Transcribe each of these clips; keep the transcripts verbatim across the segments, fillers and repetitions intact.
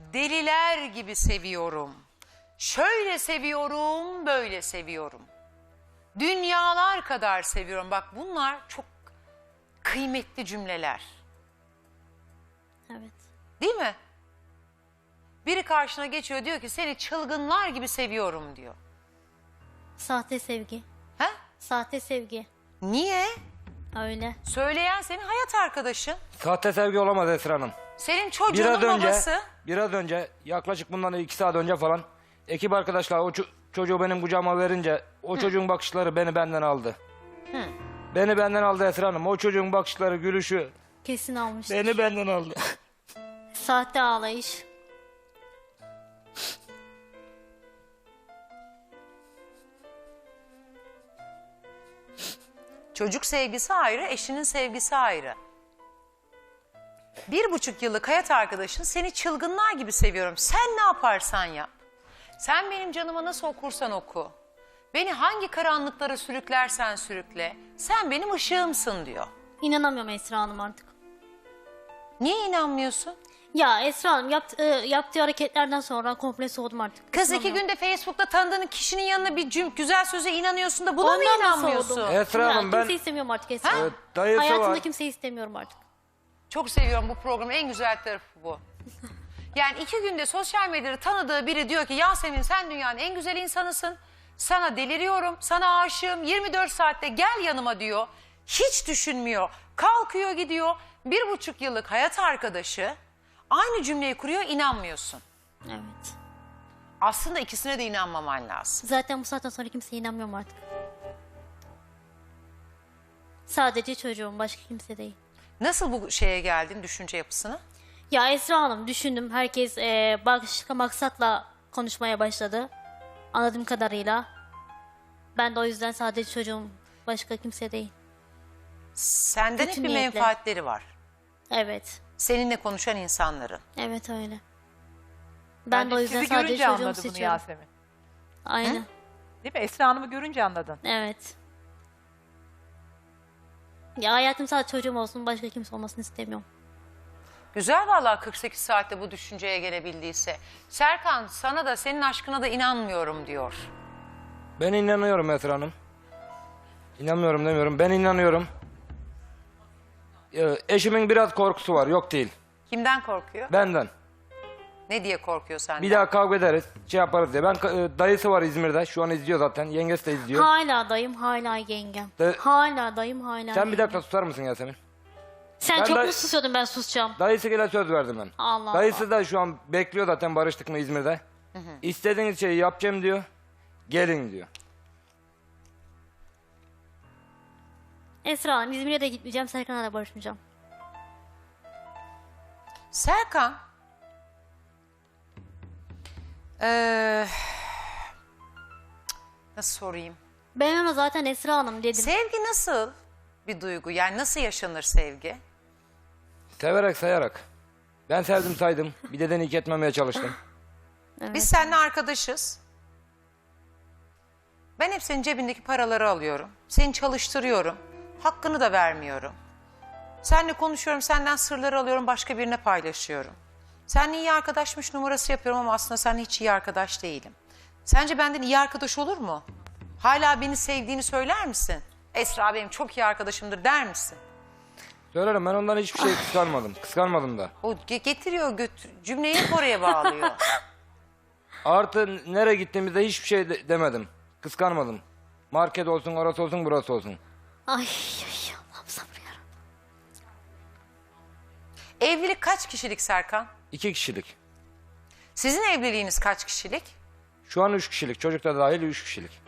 deliler gibi seviyorum. Şöyle seviyorum, böyle seviyorum. Dünyalar kadar seviyorum. Bak bunlar çok kıymetli cümleler. Evet. Değil mi? Biri karşına geçiyor diyor ki seni çılgınlar gibi seviyorum diyor. Sahte sevgi. He? Sahte sevgi. Niye? Öyle. Söyleyen senin hayat arkadaşın. Sahte sevgi olamaz Esra Hanım. Senin Biraz çocuğunun önce, babası. biraz önce yaklaşık bundan iki saat önce falan ekip arkadaşlar o ço- çocuğu benim kucağıma verince o Hı. çocuğun bakışları beni benden aldı. Hı. Beni benden aldı Esra Hanım. O çocuğun bakışları, gülüşü Kesin almıştır. beni benden aldı. Sahte ağlayış. Çocuk sevgisi ayrı, eşinin sevgisi ayrı. Bir buçuk yıllık hayat arkadaşın seni çılgınlar gibi seviyorum. Sen ne yaparsan yap. Sen benim canıma nasıl okursan oku. Beni hangi karanlıklara sürüklersen sürükle. Sen benim ışığımsın diyor. İnanamıyorum Esra Hanım artık. Niye inanmıyorsun? Ya Esra Hanım yaptı, yaptığı hareketlerden sonra komple soğudum artık. Kız iki İnanamıyorum. günde Facebook'ta tanıdığın kişinin yanına bir cüm güzel söze inanıyorsun da buna mı Ondan da inanmıyorsun? soğudum. Esra Ya, Hanım ben kimseyi istemiyorum artık Esra Hanım. Evet, dayısı Hayatımda var. kimseyi istemiyorum artık. Çok seviyorum bu programın en güzel tarafı bu. Yani iki günde sosyal medyada tanıdığı biri diyor ki Yasemin sen dünyanın en güzel insanısın. Sana deliriyorum, sana aşığım. yirmi dört saatte gel yanıma diyor. Hiç düşünmüyor. Kalkıyor gidiyor. Bir buçuk yıllık hayat arkadaşı aynı cümleyi kuruyor, inanmıyorsun. Evet. Aslında ikisine de inanmaman lazım. Zaten bu saatten sonra kimseye inanmıyorum artık. Sadece çocuğum, başka kimse değil. Nasıl bu şeye geldin, düşünce yapısına? Ya Esra Hanım düşündüm. Herkes e, başka maksatla konuşmaya başladı. Anladığım kadarıyla. Ben de o yüzden sadece çocuğum, başka kimse değil. Senden hep Kötü bir niyetle. menfaatleri var. Evet. Seninle konuşan insanların. Evet öyle. Ben Bence de o yüzden sizi sadece görünce çocuğumu anladı bunu seçiyorum. Yasemin. Aynen. Değil mi? Esra Hanım'ı görünce anladın. Evet. Ya hayatım sadece çocuğum olsun, başka kimse olmasını istemiyorum. Güzel vallahi kırk sekiz saatte bu düşünceye gelebildiyse. Serkan sana da senin aşkına da inanmıyorum diyor. Ben inanıyorum Esra Hanım. İnanmıyorum demiyorum. Ben inanıyorum. Ee, eşimin biraz korkusu var. Yok değil. Kimden korkuyor? Benden. Ne diye korkuyor senden? Bir daha kavga ederiz. Şey yaparız diye. Ben e, dayısı var İzmir'de. Şu an izliyor zaten. Yengesi de izliyor. Hala dayım, hala yengem. De- Hala dayım, hala Sen bir yengem. dakika susar mısın Yasemin? Sen Ben çok day- mu susuyordun, ben susacağım. Dayısı gele söz verdim ben. Allah Dayısı Allah. da şu an bekliyor zaten barıştık mı İzmir'de. İstediğiniz şeyi yapacağım diyor. Gelin diyor. Esra Hanım, İzmir'e de gitmeyeceğim, Serkan'a da barışmayacağım. Serkan. Ee, nasıl sorayım? Ben ona zaten Esra Hanım dedim. Sevgi nasıl bir duygu? Yani nasıl yaşanır sevgi? Severek sayarak. Ben sevdim saydım. Bir de denik etmemeye çalıştım. Evet. Biz seninle arkadaşız. Ben hep senin cebindeki paraları alıyorum. Seni çalıştırıyorum. Hakkını da vermiyorum. Seninle konuşuyorum, senden sırları alıyorum, başka birine paylaşıyorum. Seninle iyi arkadaşmış numarası yapıyorum ama aslında seninle hiç iyi arkadaş değilim. Sence benden iyi arkadaş olur mu? Hala beni sevdiğini söyler misin? Esra benim çok iyi arkadaşımdır der misin? Söylerim, ben ondan hiçbir şey kıskanmadım. Kıskanmadım da. O ge- getiriyor, götür, cümleyi hep oraya bağlıyor. Artı nereye gittiğimizde hiçbir şey de- demedim. Kıskanmadım. Market olsun, orası olsun, burası olsun. Ay, ay Allah'ım sabır yarabbim. Evlilik kaç kişilik Serkan? İki kişilik. Sizin evliliğiniz kaç kişilik? Şu an üç kişilik. Çocuk da dahil üç kişilik.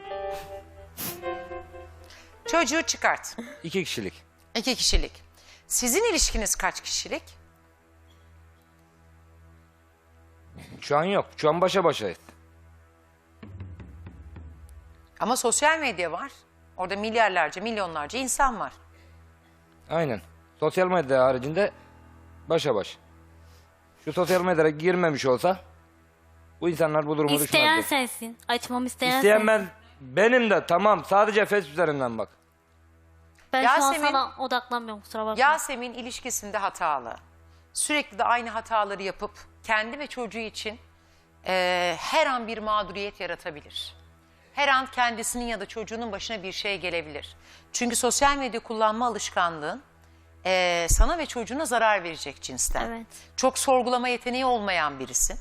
Çocuğu çıkart. İki kişilik. İki kişilik. Sizin ilişkiniz kaç kişilik? Şu an yok. Şu an başa başayız. Ama sosyal medya var. Orada milyarlarca, milyonlarca insan var. Aynen. Sosyal medya haricinde başa baş. Şu sosyal medyaya girmemiş olsa bu insanlar bu durumu İsteyen düşmezdi. sensin. Açmamı isteyen, İsteyen sensin. ben, benim de tamam, sadece Facebook üzerinden bak. Ben şu an Yasemin- sana odaklanmıyorum, kusura bakma. Yasemin ilişkisinde hatalı. Sürekli de aynı hataları yapıp kendi ve çocuğu için e, her an bir mağduriyet yaratabilir. Her an kendisinin ya da çocuğunun başına bir şey gelebilir. Çünkü sosyal medya kullanma alışkanlığın e, sana ve çocuğuna zarar verecek cinsten. Evet. Çok sorgulama yeteneği olmayan birisin.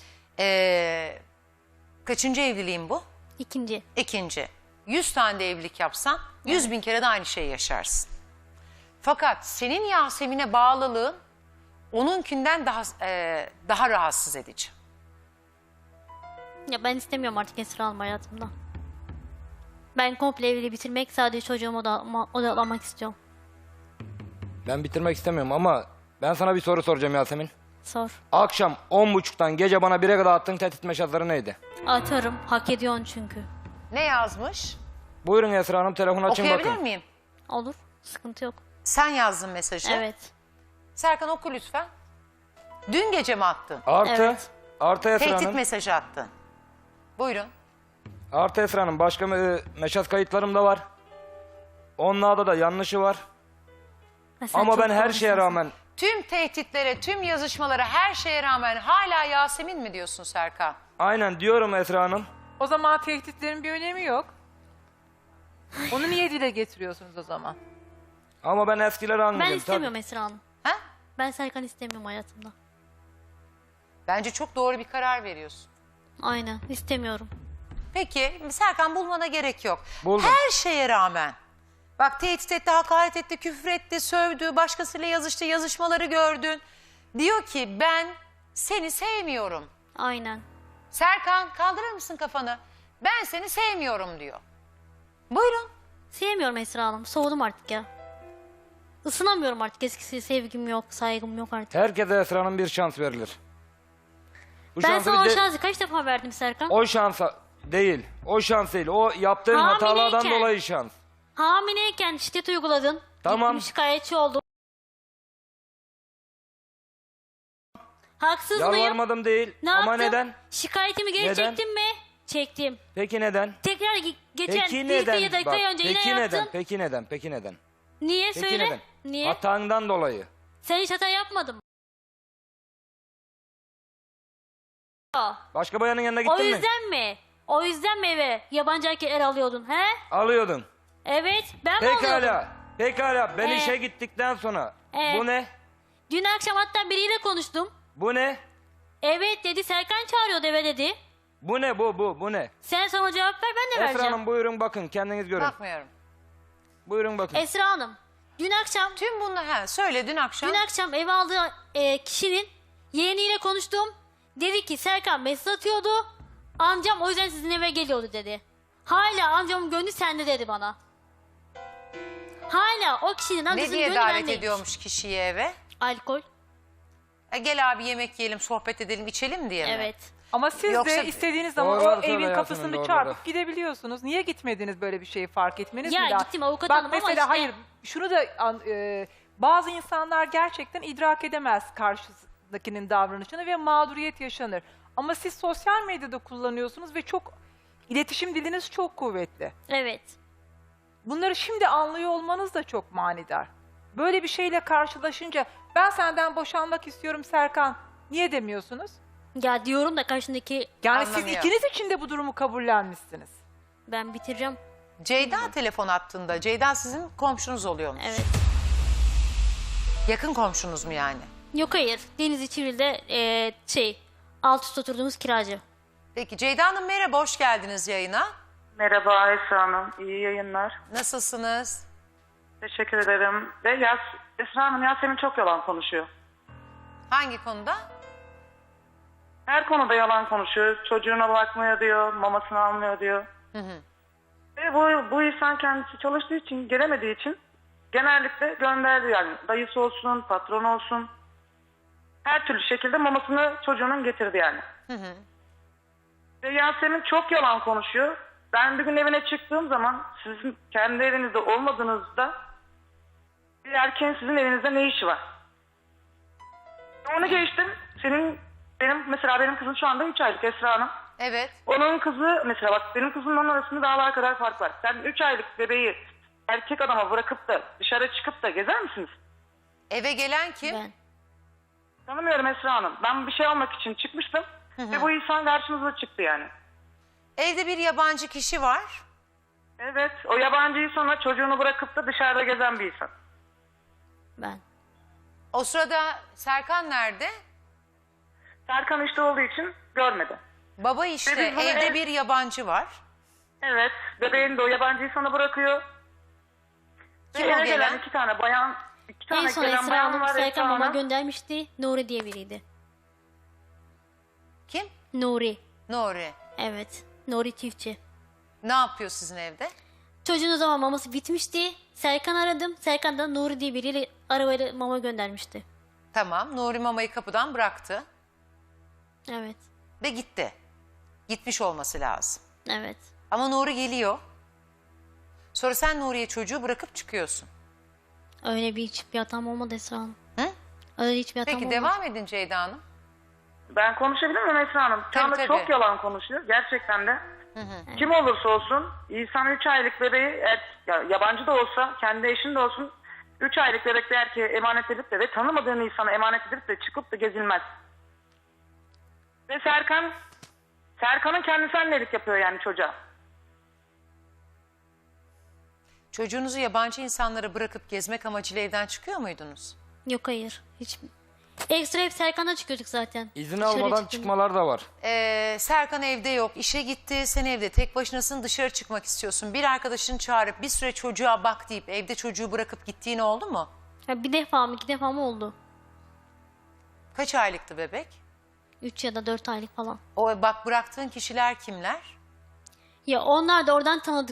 E, kaçıncı evliliğin bu? İkinci. İkinci. Yüz tane de evlilik yapsan yüz bin kere de aynı şeyi yaşarsın. Fakat senin Yasemin'e bağlılığın onunkinden daha e, daha rahatsız edici. Ya ben istemiyorum artık Esra Hanım hayatımda. Ben komple evliliği bitirmek, sadece çocuğuma odaklanma- odaklanmak istiyorum. Ben bitirmek istemiyorum ama ben sana bir soru soracağım Yasemin. Sor. Akşam on buçuktan gece bana bire kadar attığın tehdit mesajları neydi? Atarım. Hak ediyorsun çünkü. Ne yazmış? Buyurun Esra Hanım, telefonu açın Okuyabilir bakın. miyim? Olur. Sıkıntı yok. Sen yazdın mesajı. Evet. Serkan oku lütfen. Dün gece mi attın? Artı, Evet. artı Esra Tehdit Hanım. mesajı attın. Buyurun. Artı Esra Hanım, başka me- mesaj kayıtlarım da var. Onlarda da yanlışı var. Ha, sen Ama çok ben her doğru şeye insansın. rağmen Tüm tehditlere, tüm yazışmalara, her şeye rağmen hala Yasemin mi diyorsun Serkan? aynen diyorum Esra Hanım. O zaman tehditlerin bir önemi yok. Onu niye dile getiriyorsunuz o zaman? Ama ben eskileri Ben anlayacağım. istemiyorum Esra Hanım. Ha? Ben Serkan istemiyorum hayatımda. Bence çok doğru bir karar veriyorsun. Aynen. İstemiyorum. Peki Serkan bulmana gerek yok. Buldum. Her şeye rağmen. Bak tehdit etti, hakaret etti, küfür etti, sövdü, başkasıyla yazıştı, yazışmaları gördün. Diyor ki ben seni sevmiyorum. Aynen. Serkan kaldırır mısın kafanı? Ben seni sevmiyorum diyor. Buyurun. Sevmiyorum Esra Hanım. Soğudum artık ya. Isınamıyorum artık. Eskisi sevgim yok, saygım yok artık. Herkese Esra Hanım bir şans verilir. Bu Ben şansı sana o bir de- şansı kaç defa verdim Serkan? O şansa değil. O şans değil. O yaptığın Hamileyken. hatalardan dolayı şans. Hamileyken şiddet uyguladın. Tamam. Gittim şikayetçi oldum. Haksız mıyım? Yalvarmadım değil. Ne Ama yaptım? neden? Şikayetimi geri Neden? çektim mi? Çektim. Peki neden? Tekrar ge- geçen Peki bir, neden? bir dakika Bak, önce peki yine neden? yaptın. Peki neden? Peki neden? Niye? Peki Söyle. neden? Niye? Hatandan dolayı. Sen hiç hata yapmadın mı? Aa, Başka bayanın yanına O gittin mi? yüzden mi? O yüzden mi eve yabancı erkekler alıyordun he? Alıyordun. Evet, ben mi alıyordum? Pekala. Pekala. Ben Ee? işe gittikten sonra. Ee? Bu ne? Dün akşam hatta biriyle konuştum. Bu ne? Evet dedi, Serkan çağırıyordu eve dedi. Bu ne bu bu bu ne? Sen sonra cevap ver, ben de Esra vereceğim. Hanım buyurun bakın kendiniz görün. Bakmıyorum. Buyurun bakın. Esra Hanım, dün akşam Tüm bunlar ha söyle dün akşam. dün akşam eve aldığı e, kişinin yeğeniyle konuştum. Dedi ki Serkan mesaj atıyordu. Amcam o yüzden sizin eve geliyordu dedi. Hala amcamın gönlü sende dedi bana. Hala o kişinin Ne amcasının diye gönlü davet bendeymiş. ediyormuş kişiyi eve? Alkol. E, gel abi yemek yiyelim, sohbet edelim, içelim diye mi? Evet. Ama siz Yoksa- de istediğiniz zaman Doğruları o söyle evin Yasemin, kapısını doğruları. çarpıp gidebiliyorsunuz. Niye gitmediniz böyle bir şeyi fark etmeniz Ya mi lazım? gittim avukat Bak hanım ama mesela işte- hayır şunu da an- e, bazı insanlar gerçekten idrak edemez karşısındakinin davranışını ve mağduriyet yaşanır. Ama siz sosyal medyada kullanıyorsunuz ve çok iletişim diliniz çok kuvvetli. Evet. Bunları şimdi anlıyor olmanız da çok manidar. Böyle bir şeyle karşılaşınca ben senden boşanmak istiyorum Serkan niye demiyorsunuz? Ya diyorum da karşındaki Yani siz Anlamıyor. ikiniz için de bu durumu kabullenmişsiniz. ben bitireceğim. Ceyda telefon attığında, Ceyda sizin komşunuz oluyormuş. Evet. Yakın komşunuz mu yani? Yok hayır. Denizli Çivril'de e, şey alt üst oturduğumuz kiracı. Peki Ceyda Hanım merhaba, hoş geldiniz yayına. Merhaba Esra Hanım, iyi yayınlar. Nasılsınız? Teşekkür ederim. Ve Yas Esra Hanım, Yasemin çok yalan konuşuyor. Hangi konuda? Her konuda yalan konuşuyor. Çocuğuna bakmıyor diyor, mamasını almıyor diyor. Ve bu, bu insan kendisi çalıştığı için, gelemediği için genellikle gönderdi yani. Dayısı olsun, patron olsun. Her türlü şekilde mamasını çocuğunun getirdi yani. Ve Yasemin çok yalan konuşuyor. Ben bir gün evine çıktığım zaman sizin kendi evinizde olmadığınızda bir erkeğin sizin evinizde ne işi var? Onu geçtim. Senin benim mesela benim kızım şu anda üç aylık Esra Hanım. Evet. Onun kızı mesela bak benim kızımla onun arasında dağlar kadar fark var. Sen üç aylık bebeği erkek adama bırakıp da dışarı çıkıp da gezer misiniz? Eve gelen kim? Ben. Tanımıyorum Esra Hanım. Ben bir şey almak için çıkmıştım. Ve bu insan karşımıza çıktı yani. Evde bir yabancı kişi var. Evet. O yabancıyı sonra çocuğunu bırakıp da dışarıda gezen bir insan. Ben. O sırada Serkan nerede? Serkan işte olduğu için görmedi. Baba işte, Ve biz bunu evde ev- bir yabancı var. Evet. Bebeğini de o yabancıyı sana bırakıyor. Kim Ve o eve gelen? gelen iki tane bayan, iki En tane son gelen Esra bayan Hanım var Esra Serkan mama Hanım. göndermişti. Nuri diye biriydi. Kim? Nuri. Nuri. Evet. Nuri çiftçi. Ne yapıyor sizin evde? Çocuğun o zaman maması bitmişti. Serkan aradım. Serkan da Nuri diye biriyle arabayla mama göndermişti. Tamam, Nuri mamayı kapıdan bıraktı Evet. ve gitti. Gitmiş olması lazım. Evet. Ama Nuri geliyor. Sonra sen Nuri'ye çocuğu bırakıp çıkıyorsun. Öyle bir hiçbir hatam olmadı Esra Hanım. Hı? Öyle hiçbir hatam Peki olmadı. devam edin Ceyda Hanım. Ben konuşabilir miyim Esra Hanım? Şu Tabii, anda tabii. çok yalan konuşuyor. Gerçekten de. Kim olursa olsun insan üç aylık bebeği er- ya, yabancı da olsa kendi eşin de olsun üç aylık bebek bir erkeğe emanet edip de ve tanımadığın insana emanet edip de çıkıp da gezilmez. Ve Serkan Serkan'ın kendisi annelik yapıyor yani çocuğa. Çocuğunuzu yabancı insanlara bırakıp gezmek amacıyla evden çıkıyor muydunuz? Yok hayır. Hiç. Ekstra hep Serkan'dan çıkıyorduk zaten. İzin Dışarı almadan çıktım. çıkmalar da var. Ee, Serkan evde yok, işe gitti, sen evde tek başınasın, dışarı çıkmak istiyorsun. Bir arkadaşını çağırıp bir süre çocuğa bak deyip evde çocuğu bırakıp gittiğin oldu mu? Ya bir defa mı iki defa mı oldu? Kaç aylıktı bebek? Üç ya da dört aylık falan. O bak bıraktığın kişiler kimler? Ya onlar da oradan tanıdık.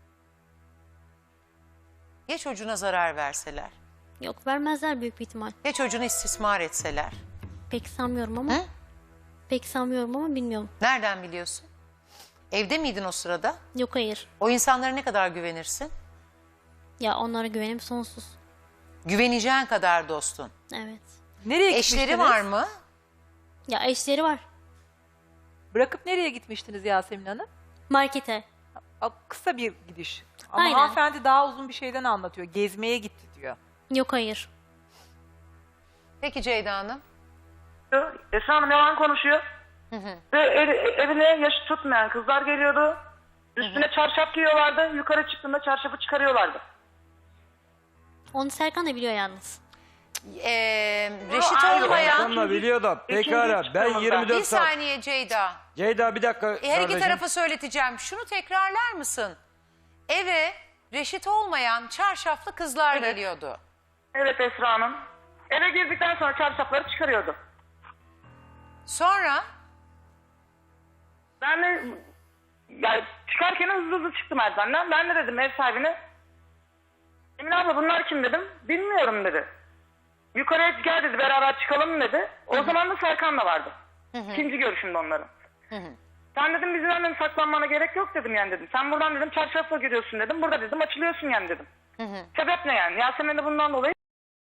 Ya çocuğuna zarar verseler? Yok vermezler büyük bir ihtimal. Ya çocuğunu istismar etseler? Pek sanmıyorum ama. Hı? Pek sanmıyorum ama bilmiyorum. Nereden biliyorsun? Evde miydin o sırada? Yok hayır. O insanlara ne kadar güvenirsin? Ya onlara güvenim sonsuz. Güveneceğin kadar dostun. Evet. Nereye Eşleri gitmiştiniz? var mı? Ya eşleri var. Bırakıp nereye gitmiştiniz Yasemin Hanım? Markete. A- Kısa bir gidiş. Ama Aynen. hanımefendi daha uzun bir şeyden anlatıyor. Gezmeye gitti diyor. Yok hayır. Peki Ceyda Hanım? Esra Hanım yalan konuşuyor. Ve ev- evine yaşı tutmayan kızlar geliyordu. Üstüne çarşaf giyiyorlardı. Yukarı çıktığında çarşafı çıkarıyorlardı. Onu Serkan da biliyor yalnız. Ee, reşit ayrı olmayan... Sen de biliyor da pekala İkinci ben çıkmamız yirmi Bir dört saat. saniye Ceyda. Ceyda bir dakika E, her iki kardeşim. tarafa söyleteceğim. Şunu tekrarlar mısın? Eve reşit olmayan çarşaflı kızlar Evet. geliyordu. Evet Esra Hanım. Eve girdikten sonra çarşafları çıkarıyordu. Sonra Ben de yani çıkarken hızlı hızlı çıktım merdivenden. Ben de dedim ev sahibine. Emine abla bunlar kim dedim. Bilmiyorum dedi. Yukarıya gel dedi beraber çıkalım dedi. O zaman da Serkan da vardı. İkinci görüşümde onların. Sen dedim bizim annem saklanmana gerek yok dedim yani dedim. Sen buradan dedim çarşafla giriyorsun dedim. Burada dedim açılıyorsun yani dedim. Sebep ne yani? Yasemin de bundan dolayı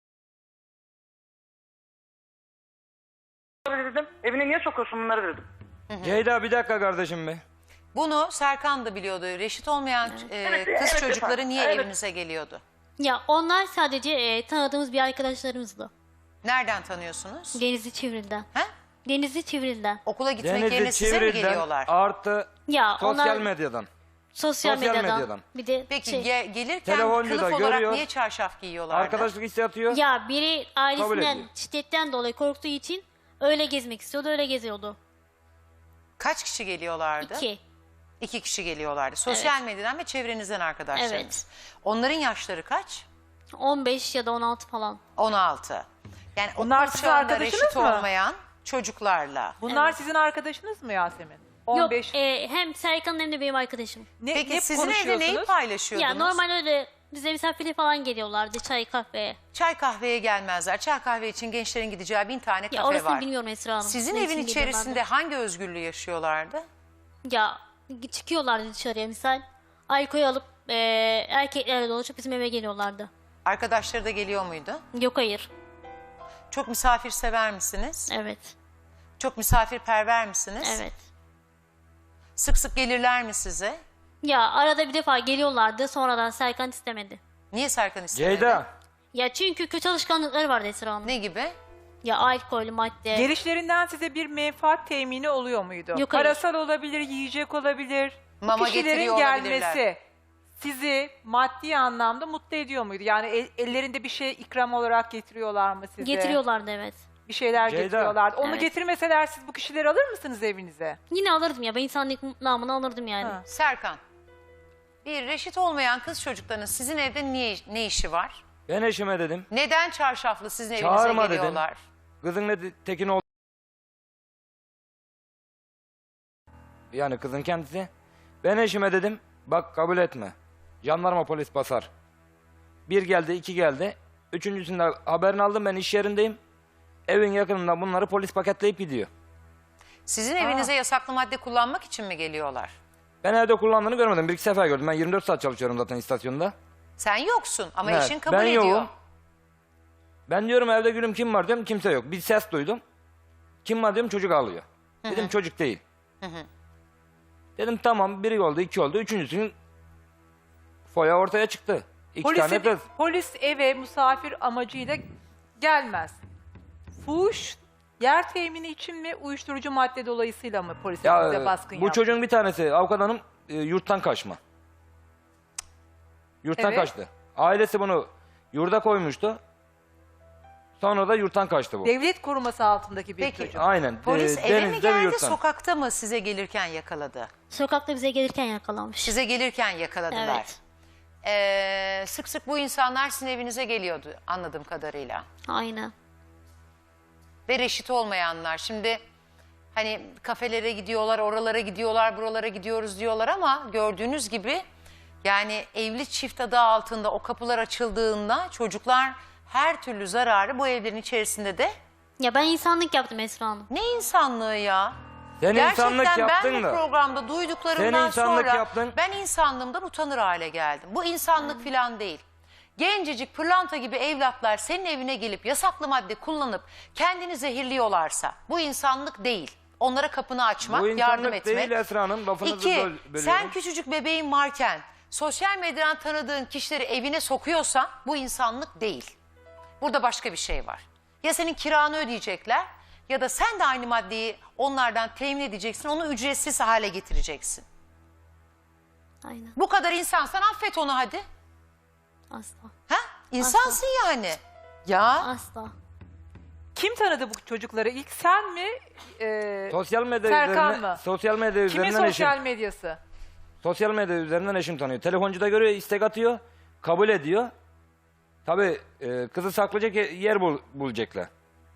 dedim. Evine niye sokuyorsun bunları dedim. Ceyda bir dakika kardeşim be. bunu Serkan da biliyordu. Reşit olmayan e, Evet, kız evet çocukları efendim. niye Evet. evinize geliyordu? Ya onlar sadece e, tanıdığımız bir arkadaşlarımızdı. Nereden tanıyorsunuz? Denizli Çivril'den. He? Denizli Çivril'den. Okula gitmek yerine Denizli size mi Çivril'den geliyorlar? artı Ya sosyal onlar medyadan. sosyal, sosyal medyadan. medyadan. Bir de Peki şey. ge- gelirken Telefoncu kılıf da olarak görüyor. niye çarşaf giyiyorlardı? Arkadaşlık istatıyor. Ya biri Kabul ailesinden ediyor. şiddetten dolayı korktuğu için öyle gezmek istiyordu, öyle geziyordu. Kaç kişi geliyorlardı? İki. İki kişi geliyorlardı. Sosyal medyadan ve çevrenizden arkadaşlarınız. Evet. Onların yaşları kaç? on beş ya da on altı falan. on altı. Yani Onlar okul sizin çağında arkadaşınız reşit mı? olmayan çocuklarla. Bunlar sizin arkadaşınız mı Yasemin? on beş. Yok e, hem Serkan'ın hem de benim arkadaşım. Ne, Peki ne sizin evde neyi konuşuyorsunuz? paylaşıyordunuz? Ya normal öyle bize misafirliğe falan geliyorlardı çay kahveye. Çay kahveye gelmezler. Çay kahve için gençlerin gideceği bin tane Ya kafe orasını var. bilmiyorum Esra Hanım. Sizin Ne evin için içerisinde geliyorlardı? hangi özgürlüğü yaşıyorlardı? Ya çıkıyorlardı dışarıya misal. Alkol alıp e, erkeklerle dolaşıp bizim eve geliyorlardı. Arkadaşları da geliyor muydu? Yok hayır. Çok misafirsever misiniz? Evet. Çok misafirperver misiniz? Evet. Sık sık gelirler mi size? Ya arada bir defa geliyorlardı sonradan Serkan istemedi. Niye Serkan istemedi? Ceyda Ya çünkü kötü alışkanlıkları vardı Esra Hanım. Ne gibi? Ya alkol, madde. Gelişlerinden size bir menfaat temini oluyor muydu? Yok, hayır. Parasal olabilir, yiyecek olabilir. Mama Bu kişilerin getiriyor olabilirler. gelmesi sizi maddi anlamda mutlu ediyor muydu? Yani el- ellerinde bir şey ikram olarak getiriyorlar mı size? Getiriyorlardı evet. Bir şeyler Ceyda. getiriyorlar. Onu Evet. getirmeseler siz bu kişileri alır mısınız evinize? Yine alırdım ya. Ben insanlık namını alırdım yani. Ha. Serkan, bir reşit olmayan kız çocuklarının sizin evde niye, ne işi var? Ben eşime dedim. Neden çarşaflı sizin evinize Çağırma dedim. geliyorlar? Kızın ne tekin oldu. Yani kızın kendisi. Ben eşime dedim. Bak kabul etme. Jandarma polis basar. Bir geldi, iki geldi. Üçüncüsünde haberini aldım, ben iş yerindeyim. Evin yakınında bunları polis paketleyip gidiyor. Sizin evinize yasaklı madde kullanmak için mi geliyorlar? Ben evde kullandığını görmedim. Bir iki sefer gördüm. Ben yirmi dört saat çalışıyorum zaten istasyonda. Sen yoksun ama Evet, eşin kabul ben ediyor. yokum. Ben diyorum evde gülüm kim var diyorum, kimse yok. Bir ses duydum. Kim var diyorum, çocuk ağlıyor. Dedim çocuk değil. Dedim tamam, biri oldu, iki oldu. Üçüncüsünün foya ortaya çıktı. İki Polis, tane kız. polis eve misafir amacıyla gelmez. Fuhuş yer temini için mi, uyuşturucu madde dolayısıyla mı polis Ya, evinize baskın bu yaptı? çocuğun bir tanesi avukat hanım e, yurttan kaçma. Yurttan Evet. kaçtı. Ailesi bunu yurda koymuştu. Sonra da yurttan kaçtı bu. Devlet koruması altındaki bir Peki. çocuk. Aynen. Polis e, eve mi denizde bir geldi, yurttan. sokakta mı size gelirken yakaladı? Sokakta bize gelirken yakalanmış. Size gelirken yakaladılar. Evet. Ee, sık sık bu insanlar sizin evinize geliyordu anladığım kadarıyla. Aynen. Ve reşit olmayanlar. Şimdi hani kafelere gidiyorlar, oralara gidiyorlar, buralara gidiyoruz diyorlar ama gördüğünüz gibi yani evli çift adı altında o kapılar açıldığında çocuklar her türlü zararı bu evlerin içerisinde de Ya ben insanlık yaptım Esra Hanım. ne insanlığı ya? Sen insanlık Gerçekten ben yaptın bu da. programda duyduklarımdan Sen insanlık sonra yaptın. ben insanlığımdan utanır hale geldim. Bu insanlık falan değil. Gencecik pırlanta gibi evlatlar senin evine gelip yasaklı madde kullanıp kendini zehirliyorlarsa bu insanlık değil. Onlara kapını açmak, Bu yardım insanlık etmek. değil Esra Hanım. Lafınızı İki, böl- bölüyorum. sen küçücük bebeğin varken sosyal medyadan tanıdığın kişileri evine sokuyorsan bu insanlık değil. Burada başka bir şey var. Ya senin kiranı ödeyecekler ya da sen de aynı maddeyi onlardan temin edeceksin, onu ücretsiz hale getireceksin. Aynen. Bu kadar insansan affet onu hadi. Asla. Ha? İnsansın yani. Ya Asla. Kim tanıdı bu çocukları? İlk sen mi? Ee, Sosyal medya Serkan üzerinden, mı? sosyal medya Kimin üzerinden sosyal eşim. medyası? Sosyal medya üzerinden eşim tanıyor. Telefoncuda görüyor, istek atıyor, kabul ediyor. Tabii e, kızı saklayacak yer bul, bulacaklar.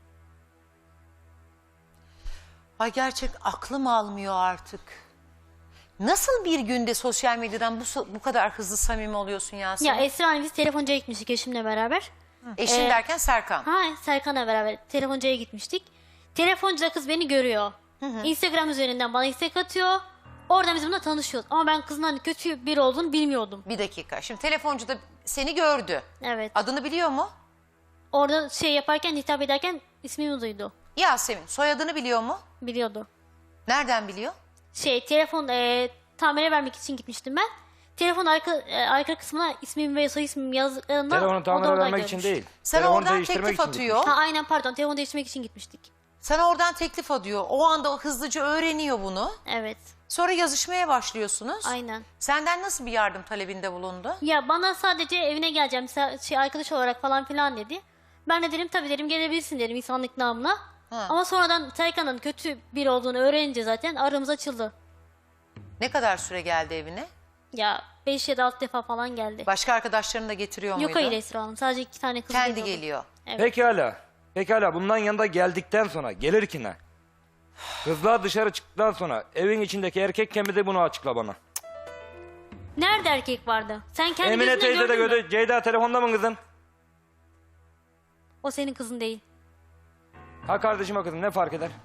ay gerçek aklım almıyor artık. Nasıl bir günde sosyal medyadan bu, bu kadar hızlı samimi oluyorsun Yasemin? Ya Esra Hanım biz telefoncuya gitmiştik eşimle beraber. Eşin Ee, derken Serkan. Ha Serkan'la beraber telefoncuya gitmiştik. Telefoncuda kız beni görüyor. Instagram üzerinden bana istek atıyor. Oradan biz bununla tanışıyoruz. Ama ben kızın hani kötü biri olduğunu bilmiyordum. Bir dakika. Şimdi telefoncu da seni gördü. Evet. Adını biliyor mu? Orada şey yaparken, hitap ederken ismimi duydu. Yasemin. Soyadını biliyor mu? Biliyordu. Nereden biliyor? Şey telefon e, tamire vermek için gitmiştim ben. Telefon arka, e, arka kısmına ismim ve soy ismim yazdıklarında Telefonu o da tamir oradan vermek için görmüş. değil. Sana Telefonu oradan değiştirmek teklif için atıyor. Ha aynen pardon telefon değiştirmek için gitmiştik. Sana oradan teklif atıyor. O anda o hızlıca öğreniyor bunu. Evet Sonra yazışmaya başlıyorsunuz. aynen. Senden nasıl bir yardım talebinde bulundu? Ya bana sadece evine geleceğim sa- şey arkadaş olarak falan filan dedi. Ben de dedim tabii dedim gelebilirsin dedim insanlık namına. Ha. Ama sonradan Serkan'ın kötü biri olduğunu öğrenince zaten aramız açıldı. Ne kadar süre geldi evine? Ya beş ya da altı defa falan geldi. Başka arkadaşlarını da getiriyor muydu? Yok hayır Esra Hanım sadece iki tane kız Kendi geliyordu. geliyor. Evet. Pekala. Pekala bundan yanında geldikten sonra gelirken ha, kızlar dışarı çıktıktan sonra evin içindeki erkek kemi de bunu açıkla bana. Nerede erkek vardı? Sen kendi Emine gözünle teyze de gördün mü? gördü. Ceyda telefonda mı kızım? O senin kızın değil. Ha kardeşim ha kızım ne fark eder?